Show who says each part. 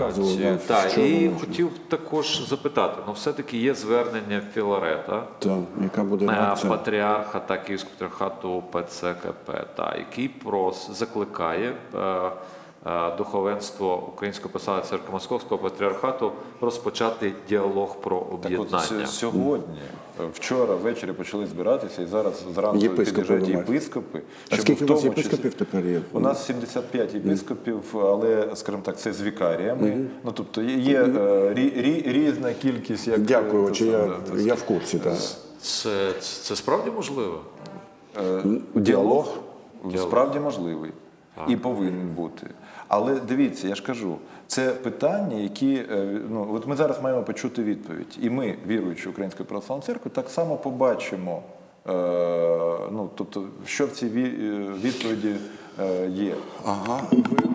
Speaker 1: показував.
Speaker 2: Так, і хотів також запитати, все-таки є звернення Філарета,
Speaker 1: яка буде реакція?
Speaker 2: патріарха та Київського патріархату ПЦКП, який закликає духовенство Української православної церкви Московського патріархату розпочати діалог про об'єднання.
Speaker 3: Сьогодні, вчора ввечері почали збиратися, і зараз зранку під'їжджають єпископи.
Speaker 1: А скільки у вас єпископів тепер є?
Speaker 3: У нас 75 єпископів, але, скажімо так, це з вікаріями. Тобто є різна кількість.
Speaker 1: Дякую, я в курсі.
Speaker 2: Це справді можливо?
Speaker 3: Діалог справді можливий і повинен бути. Але дивіться, я ж кажу, це питання, які, от ми зараз маємо почути відповідь. І ми, віруючи Української православної церкви, так само побачимо, тобто, що в цій відповіді є.
Speaker 1: Ага.